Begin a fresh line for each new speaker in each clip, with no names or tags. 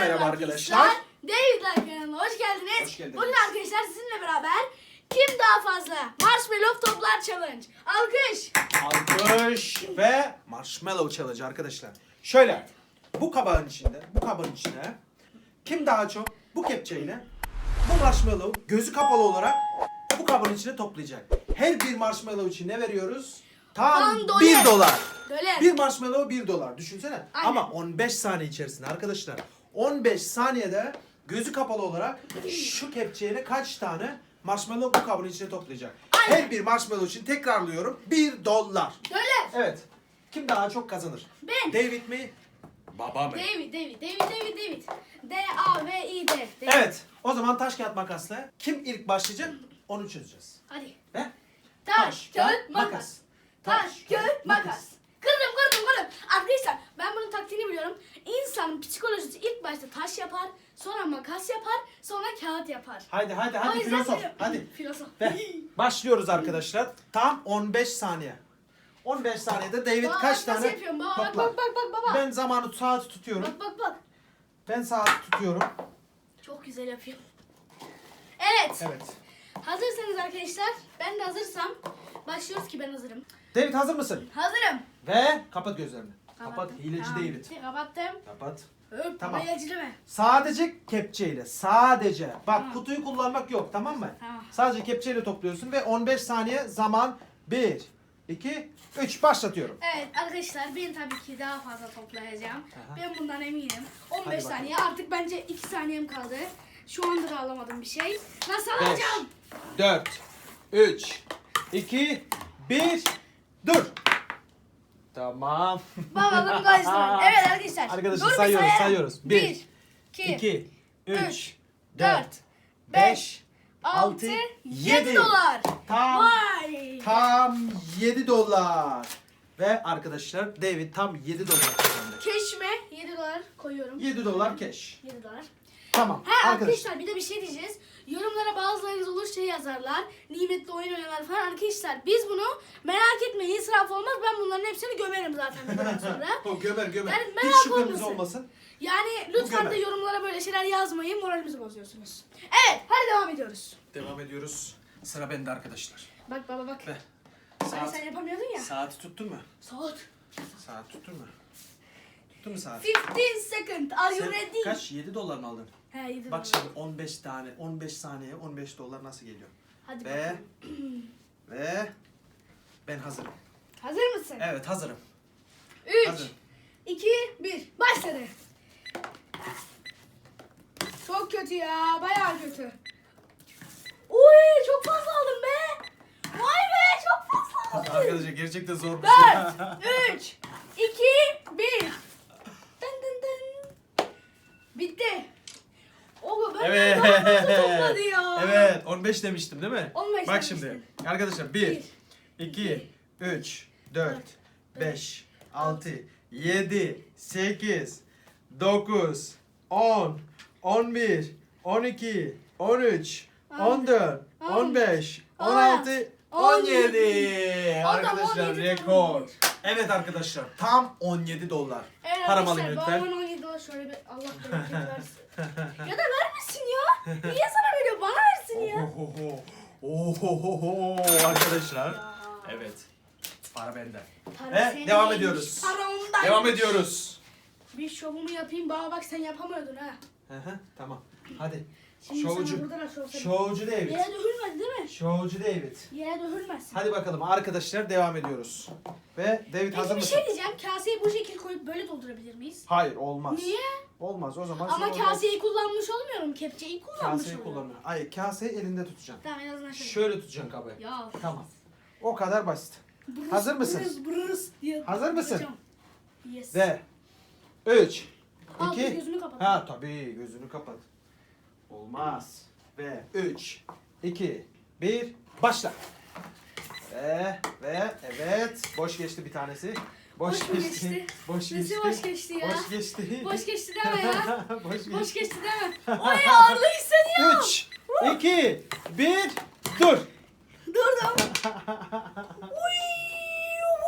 merhaba arkadaşlar.
David'ler kanalına hoş geldiniz.
Hoş geldiniz.
Bugün arkadaşlar sizinle beraber kim daha fazla marshmallow toplar challenge. Alkış.
Alkış ve marshmallow challenge arkadaşlar. Şöyle bu kabın içine kim daha çok bu kepçeyle bu marshmallow gözü kapalı olarak bu kabın içine toplayacak. Her bir marshmallow için ne veriyoruz? Tam $1.
Dolar.
Bir marshmallow $1. Düşünsene.
Aynen.
Ama 15 saniye içerisinde arkadaşlar. 15 saniyede gözü kapalı olarak şu kepçeyle kaç tane marshmallow bu kabın içine toplayacak.
Aynen.
Her bir marshmallow için tekrarlıyorum $1.
Dolar.
Evet. Kim daha çok kazanır?
Ben.
David mi? Baba mı?
David. D-A-V-I-D.
Evet. O zaman taş kağıt makasla kim ilk başlayacak onu çözeceğiz.
Hadi.
Ve
Taş, kağıt, makas. Taş, kağıt, makas. Kırdım. Arkadaşlar ben bunun taktiğini biliyorum. İnsanın psikolojisi ilk başta taş yapar, sonra makas yapar, sonra kağıt yapar.
Hadi
O yüzden
filozof.
böyle-
Hadi.
Filozof.
Ve başlıyoruz arkadaşlar. Tam 15 saniye. 15 saniyede David
Baba,
kaç
nasıl
tane
yapıyorum? Baba,
toplar?
bak baba.
Ben saati tutuyorum.
Bak.
Ben saati tutuyorum.
Çok güzel yapıyor. Evet.
Evet.
Hazırsanız arkadaşlar, ben de hazırsam başlıyoruz ki ben hazırım.
David hazır mısın?
Hazırım.
Ve kapat gözlerini. Kapat
Kapattım.
hileci
Tamam,
David.
bitti, kapattım.
Kapat.
Tamam.
Tamam.
Hileci deme.
Sadece kepçeyle. Sadece. Bak
Tamam.
kutuyu kullanmak yok, tamam mı?
Tamam.
Sadece kepçeyle topluyorsun ve 15 saniye zaman 1, 2, 3 başlatıyorum.
Evet arkadaşlar ben tabii ki daha fazla toplayacağım.
Aha.
Ben bundan eminim. 15
bakalım.
saniye artık bence 2 saniyem kaldı. Şu anda da alamadım bir şey. Nasıl
5,
alacağım?
4, 3, 2, 1, dur. Tamam.
Bakalım kaç tane. Evet arkadaşlar.
Arkadaşlar
Dur bir
sayıyoruz.
sayalım.
1,
2,
2, 3,
3,
4, 5, 6, 7
dolar.
Tam
Vay.
$7. Ve arkadaşlar David tam $7 kazandı.
Keşme 7 dolar koyuyorum.
$7 cash.
7 dolar.
Tamam.
Ha
arkadaşlar.
arkadaşlar bir de bir şey diyeceğiz. Yorumlara bazılarınız olur şey yazarlar. Nimetli oyun oynarlar falan. Arkadaşlar biz bunu merak etmeyin, israf olmaz. Ben bunların hepsini gömerim zaten bundan sonra.
O gömer.
Yani
Hiç
merak
şüpheniz
olmasın.
olmasın.
Yani lütfen
gömer.
de yorumlara böyle şeyler yazmayın. Moralimizi bozuyorsunuz. Evet hadi devam ediyoruz.
Devam ediyoruz. Sıra bende arkadaşlar.
Bak baba bak.
Ve
Hani sen yapamıyordun ya.
saati tuttun mu?
Saat.
Saat tuttun mu? Tuttun mu saat?
15 second. Are you
Sen
ready?
kaç? $7 mı aldın?
He 7
Bak
dolar.
şimdi 15 saniye $15 nasıl geliyor?
Hadi
Ve
bakalım.
ve ben hazırım.
Hazır mısın?
Evet hazırım.
3,
Hazırım.
2, 1. Başladı. Çok kötü ya. Bayağı kötü. Uy çok fazla aldım be. Vay be çok fazla aldım.
Arkadaşlar gerçekten zor bir
4, 3, 2, 1. Dın dın dın. Bitti. O ben
Evet.
daha fazla topladı ya.
Evet 15 demiştim değil mi?
15
Bak
demiştin.
şimdi arkadaşlar 1, 2, 3, 4, 5, 6, 7, 8, 9, 10, 11, 12, 13, 14, 15, 16, 17. Arkadaşlar
17
rekor. Evet arkadaşlar tam $17.
Evet
Param alayım
arkadaşlar,
lütfen.
babamın 17 dolar şöyle bir Allah bereket versin. Ya da vermesin ya. Niye sana veriyor? Bana versin ya.
Ohohoho arkadaşlar. Evet. Para bende.
Para
Ve
senin
devam
neymiş?
ediyoruz.
Para ondan.
Devam ediyoruz.
Bir şovumu yapayım. Baba bak sen yapamıyordun ha.
Tamam. Hadi.
Şimdi
Şovcu.
sana buradan şov yapayım.
Şovcu David.
Yere dökülmez değil mi?
Şovcu David.
Yere dökülmezsin.
Hadi bakalım arkadaşlar devam ediyoruz. Ve David hazır
Peki bir
mısın?
şey diyeceğim. Kaseyi bu şekil koyup böyle doldurabilir miyiz?
Hayır olmaz.
Niye?
Olmaz o zaman.
Ama
sen
kaseyi kullanmış olmuyorum. Kepçeyi
orada
kullanmış
kaseyi
oluyorum.
kullanıyor. Hayır kaseyi elinde tutacaksın.
Tamam en azından şöyle.
Şöyle tutacaksın kabı.
Ya.
Tamam. O kadar basit.
Brız,
Hazır mısın?
Brız diye
Hazır mısın?
yapacağım. Yes.
Ve 3,
Al,
2,
gözünü kapat.
ha tabii gözünü kapat. Olmaz. Ve 3, 2, 1, başla. Ve evet boş geçti bir tanesi.
Boş mu geçti?
Boş
Nesi
geçti.
boş geçti ya?
Boş geçti.
Boş geçti deme ya.
Boş geçti.
Boş geçti deme. Oy ağırlığı hissediyorum.
3, 2, 1, dur.
Durdum.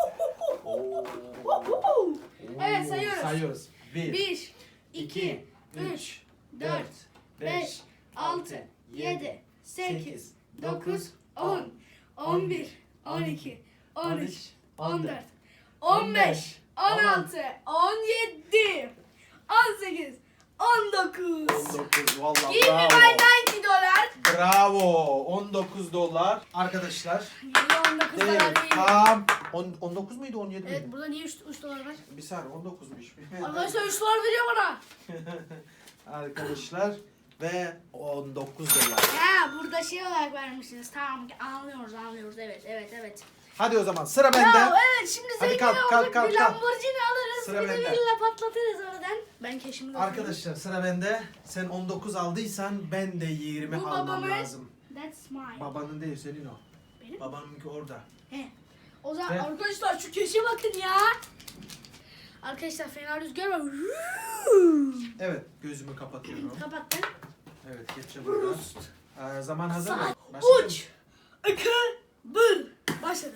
Evet sayıyoruz.
Sayıyoruz. 1,
1, 2, 3, 4, 5, 6, 7, 8, 9, 10, 11, 12, 13, 14, 15, 16, 17, 18, 19.
19 vallahi
Give me
bravo.
my $90.
Bravo. 19 dolar. Arkadaşlar.
19
Değil.
dolar değil.
Tam 19 muydu 17
Evet
miydi?
burada niye 3 dolar var?
Bir saniye 19'muş.
Arkadaşlar 3 dolar veriyor bana.
Arkadaşlar ve 19 dolar.
Ha burada şey olarak vermişsiniz. Tamam anlıyoruz. Evet.
Hadi o zaman sıra bende.
Ya evet şimdi
Hadi
zengin
kalk,
olduk,
kalk,
bir
kalk.
Lamborghini alırız.
Sıra
bir de
bende.
villa patlatırız oradan. Ben keşimi götürürüm.
Arkadaşlar sıra bende. Sen 19 aldıysan ben de 20
Bu
almam
babamın.
lazım.
That's mine.
Babanın değil senin o.
Benim?
Babanınki orada.
He. O zaman
Ve-
arkadaşlar şu keşe bakın ya. Arkadaşlar fena rüzgar var.
Evet gözümü kapatıyorum.
Kapattın.
Evet geçeceğim burada. Zaman hazır mı?
Saat
Başlayalım.
3, 2, 1. Başladı.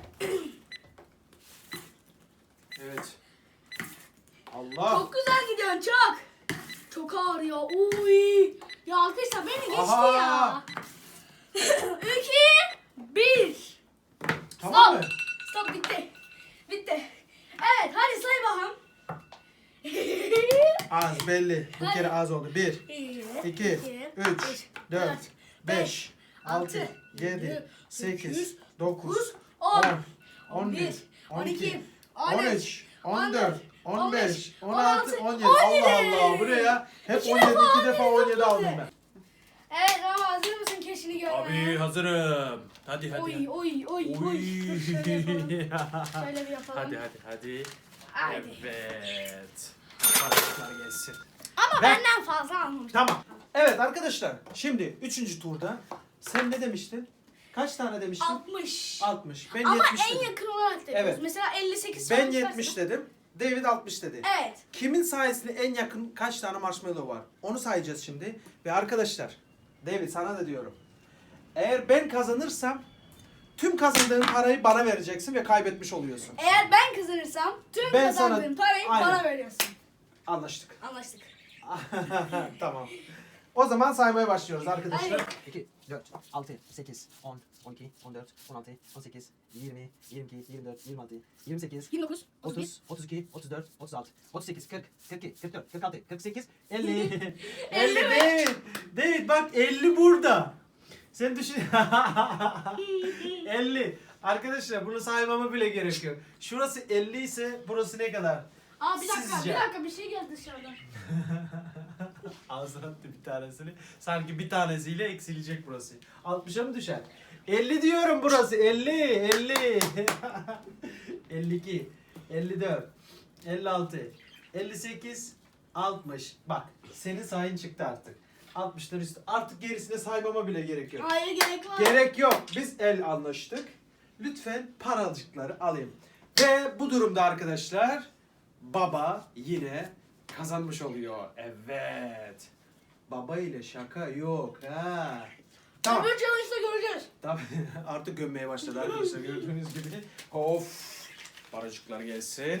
Evet. Allah.
Çok güzel gidiyorsun çok. Çok ağır ya. Uy. Ya arkadaşlar beni geçti
Aha.
ya. 2, 1.
Tamam mı?
Stop bitti. Evet hadi say bakalım.
Az belli. Bu kere az oldu. 1, 2, 3, 4, 5, 6, 7, 8, 9, 10, 11, 12, 13, 14, 15, 16, 17. Allah Allah. Bu ne ya? Hep 17, 2 defa 17 aldım ben.
Evet ama hazır mısın keşini görmeye?
Abi hazırım. Hadi
Oy. Dur, şöyle yapalım. Şöyle bir yapalım.
hadi.
Haydi.
Evet. Paraşütler gelsin.
Ama
Ve-
benden fazla almamıştım.
Tamam. Evet arkadaşlar. Şimdi 3. turda sen ne demiştin? Kaç tane demiştin?
60.
60. Ben
Ama
70
en
dedim.
yakın olarak dedim.
Evet.
Mesela 58
Ben
falan
70
çıkarsa-
dedim. David 60 dedi.
Evet.
Kimin sayesinde en yakın kaç tane marshmallow var? Onu sayacağız şimdi. Ve arkadaşlar, David sana da diyorum. Eğer ben kazanırsam tüm kazandığın parayı bana vereceksin ve kaybetmiş oluyorsun.
Eğer ben kazanırsam tüm
Ben
kazandığım
sana-
parayı
Aynen.
bana veriyorsun.
Anlaştık.
Anlaştık.
Tamam. O zaman saymaya başlıyoruz arkadaşlar.
Hayır.
2, 4, 6, 8, 10, 12, 14, 16, 18, 20, 22, 24, 26, 28,
29,
30, 32, 34, 36, 38, 40, 42, 44, 46, 48, 50.
50 değil. Değil bak 50 burada. Sen düşün. 50. Arkadaşlar bunu saymama bile gerek yok. Şurası 50 ise burası ne kadar?
Aa bir dakika,
Sizce?
bir şey geldi dışarıdan.
Ağzına attı bir tanesini. Sanki bir tanesiyle eksilecek burası. 60'a mı düşer? 50 diyorum burası. 50. 50. 52. 54. 56. 58. 60. Bak senin sayın çıktı artık. 60'lar üstü. Artık gerisine saymama bile gerek yok.
Hayır gerek var.
Gerek yok. Biz el anlaştık. Lütfen paracıkları alayım. Ve bu durumda arkadaşlar baba yine kazanmış oluyor. Evet. Baba ile şaka yok ha. Tamam.
Öbür challenge'da göreceğiz.
Tamam. Artık gömmeye başladı arkadaşlar gördüğünüz gibi. Of. Paracıklar gelsin.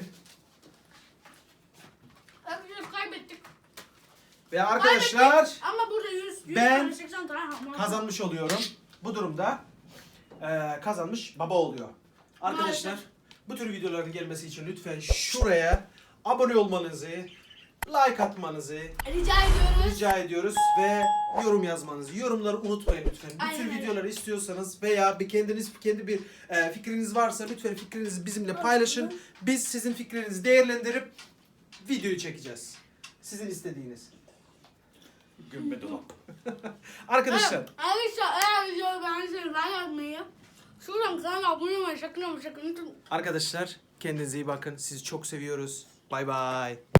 Arkadaşlar kaybettik.
Ve arkadaşlar
Kaybettik. Ama burada 100
Ben
tane 80 tane hamur.
kazanmış oluyorum. Bu durumda kazanmış baba oluyor. Arkadaşlar
Maalesef.
bu tür videoların gelmesi için lütfen şuraya abone olmanızı, like atmanızı
Rica ediyoruz.
rica ediyoruz ve yorum yazmanızı. Yorumları unutmayın lütfen. Bu
Aynen
tür
öyle.
videoları istiyorsanız veya kendi bir fikriniz varsa lütfen fikrinizi bizimle paylaşın. Biz sizin fikrinizi değerlendirip videoyu çekeceğiz. Sizin istediğiniz. Gömme dolap. Arkadaşlar
Evet, arkadaşlar eğer videoyu beğendiyseniz like atmayı, şuradan kanala abone olmayı sakın unutmayın.
Arkadaşlar kendinize iyi bakın. Sizi çok seviyoruz. Bay bay.